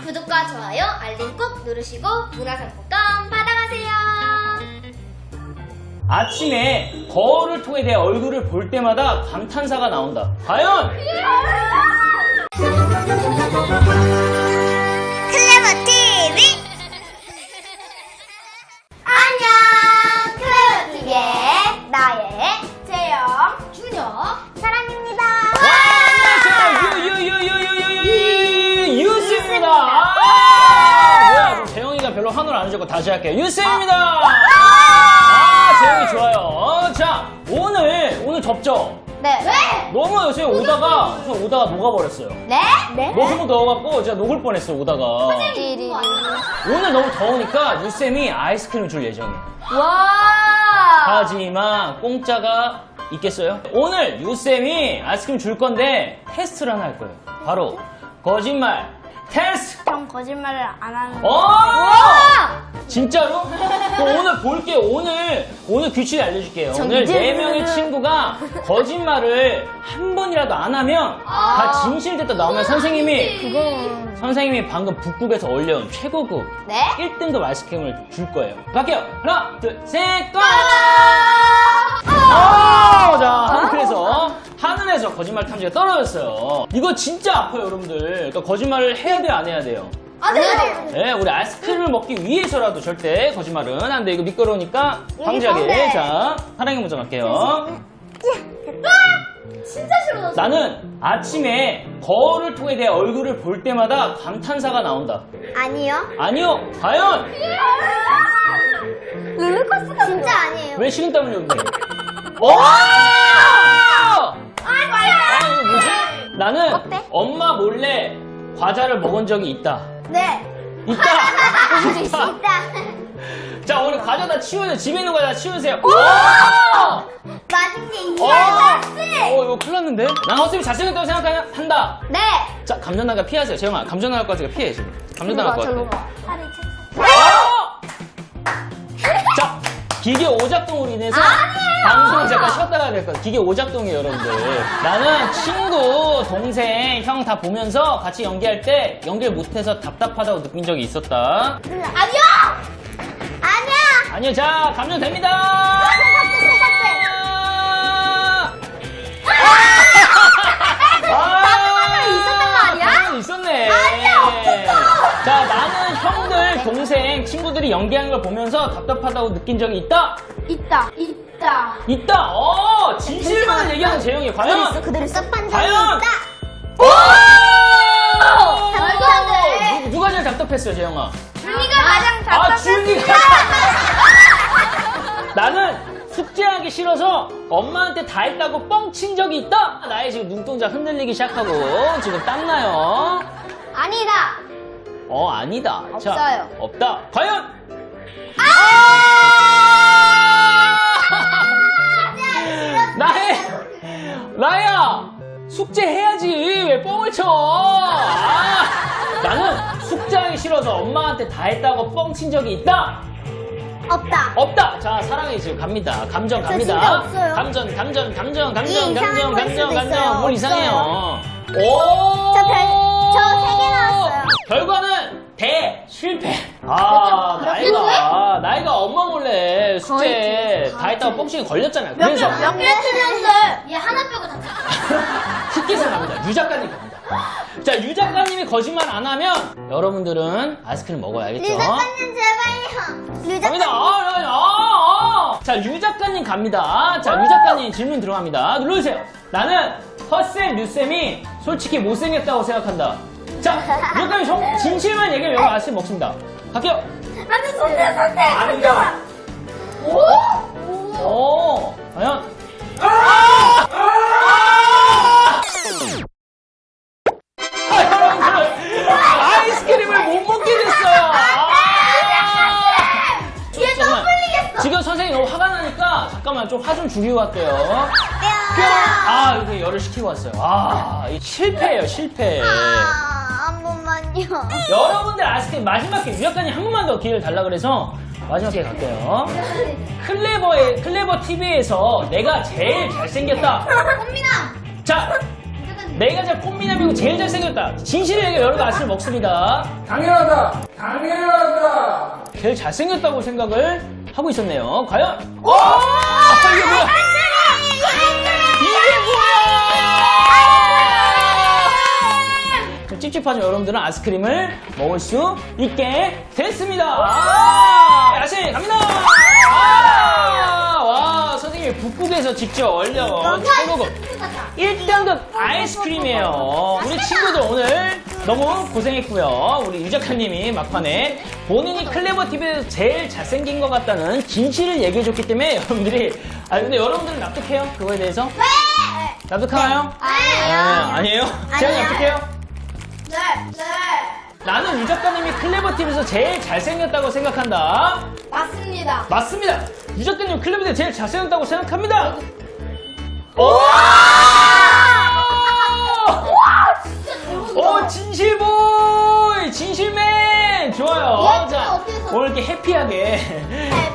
구독과 좋아요, 알림 꼭 누르시고 문화상품권 받아가세요. 아침에 거울을 통해 내 얼굴을 볼 때마다 감탄사가 나온다. 과연? 클레버 TV. 안녕, 클레버 TV의 나의 재영, 준혁, 사랑입니다. 유스입니다. 뭐야, 그럼 재영이가 별로 환호를 안 해줬고 다시 할게요. 유스입니다. 재영이 좋아요. 자, 오늘 덥죠? 네. 왜? 너무 요새 오다가 녹아버렸어요. 네? 네? 너무 더워갖고 제가 녹을 뻔했어요, 오다가. 오늘 너무 더우니까 유쌤이 아이스크림을 줄 예정이에요. 와. 하지만 공짜가 있겠어요? 오늘 유쌤이 아이스크림 줄 건데 테스트를 하나 할 거예요. 바로 거짓말 테스트! 전 거짓말을 안 하는. 진짜로? 그럼 오늘 볼게요. 오늘 규칙 알려줄게요. 오늘 4명의 친구가 거짓말을 한 번이라도 안 하면 다 진실됐다 나오면 선생님이 방금 북극에서 올려온 최고급 네? 1등급 아이스크림을 줄 거예요. 갈게요. 하나, 둘, 셋, 고! 자, 그래서 하늘에서 거짓말 탐지가 떨어졌어요. 이거 진짜 아파요, 여러분들. 그러니까 거짓말을 해야 돼요, 안 해야 돼요? 안 해요. 네, 우리 아이스크림을 먹기 위해서라도 절대 거짓말은 안 돼. 이거 미끄러우니까 방지하게. 자, 사랑이 먼저 갈게요. 진짜 싫어. 나는 아침에 거울을 통해 내 얼굴을 볼 때마다 감탄사가 나온다. 아니요. 아니요, 과연? 롤러코스터 진짜 아니에요. 왜 식은땀을 흘리는데? 이거 뭐지? 나는 어때? 엄마 몰래 과자를 먹은 적이 있다. 네. 있다. 있다. 자, 오늘 과자 다 치우세요. 집에 있는 과자 다 치우세요. 맞은 게 이거 이거 큰일 났는데? 난 허쌤이 잘생겼다고 생각한다. 네. 자, 감전나가 피하세요. 재영아, 감전나갈 것 같으니까 피해, 지금. 감전나갈 것 같아. 자, 기계 오작동으로 인해서 방송을 잠깐 쉬었다 가야 될 거야. 기계 오작동이에요, 여러분들. 나는 친구, 동생, 형 다 보면서 같이 연기할 때 연기를 못해서 답답하다고 느낀 적이 있었다. 아니요. 아니야. 아니요, 자, 감전됩니다. 있었던 거 아니야? 있었네. 아니야, 없었어. 자, 나는 형들, 동생, 친구들이 연기하는 걸 보면서 답답하다고 느낀 적이 있다. 있다. 있다. 진실만을 얘기하는 재영이 과연? 그대로 썩한 적이 과연? 있다. 말도 안 돼. 누가 제일 답답했어요, 재영아? 준이가 가장 답답했어. 준이가. 나는 숙제하기 싫어서 엄마한테 다 했다고 뻥친 적이 있다. 나의 지금 눈동자 흔들리기 시작하고 지금 땀나요. 아니다. 아니다. 없어요. 자, 없다. 과연? 나야! 숙제 해야지. 왜 뻥을 쳐? 나는 숙제하기 싫어서 엄마한테 다 했다고 뻥친 적이 있다. 없다. 없다. 자, 사랑이 지금 갑니다. 감정 갑니다. 진짜 없어요. 감정. 이상한 걸 수도 있어요. 뭘 이상해요. 오! 저 3개 나왔어요. 결과는 실패. 나이가 엄마 몰래 숙제 다 했다고 뻥치기 걸렸잖아요. 그래서 몇 개 틀렸어요? 얘 하나 빼고 다 티켓을 갑니다. 유 작가님 갑니다. 자, 유 작가님이 거짓말 안 하면 여러분들은 아이스크림 먹어야 알겠죠? 류 작가님 제발요. 류 갑니다. 작가님. 자, 유 작가님 갑니다. 자, 유 작가님 질문 들어갑니다. 눌러주세요. 나는 허쌤, 류쌤이 솔직히 못생겼다고 생각한다. 자, 유 작가님 진실만 얘기하면 여러분 아이스크림 먹습니다. 갈게요. 안돼, 선택. 아닙니다. 과연? 여러분들, 아이스크림을 못 먹게 됐어요. 얘 너무 풀리겠어. 지금 선생님이 너무 화가 나니까 잠깐만 좀 화 좀 죽이고 갈게요. 이렇게 열을 식히고 왔어요. 이 실패예요, 실패. 한 번만요. 여러분들 아이스크림 마지막 기회, 유 작가님 한 번만 더 기회를 달라 그래서 마지막 기회 갈게요. 클레버 TV에서 내가 제일 잘생겼다. 꽃미남. 자, 내가 꽃미남이고 제일 잘생겼다. 진실을 얘기해 여러분 아침을 먹습니다. 당연하다! 당연하다! 제일 잘생겼다고 생각을 하고 있었네요. 과연? 오! 이게 뭐야? 이게 뭐야? 좀 찝찝하죠? 여러분들은 아이스크림을 먹을 수 있게 됐습니다. 야식 갑니다. 와, 선생님이 북극에서 직접 얼려 최고급 1등급 아이스크림이에요. 우리 친구들 오늘 너무 고생했고요. 우리 유 작가님이 막판에 본인이 클레버TV에서 제일 잘생긴 것 같다는 진실을 얘기해줬기 때문에 여러분들이 근데 여러분들은 납득해요? 그거에 대해서? 네! 납득하나요? 아니에요? 제가 납득해요? 네! 네! 나는 유 작가님이 클레버TV에서 제일 잘생겼다고 생각한다. 맞습니다. 맞습니다. 유 작가님 클레버TV 제일 잘생겼다고 생각합니다. 오, 진실보이! 진실맨! 좋아요. 자, 오늘 이렇게 해피하게.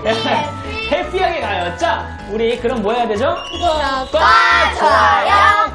해피하게 가요. 자, 우리 그럼 뭐 해야 되죠? 구독과 좋아요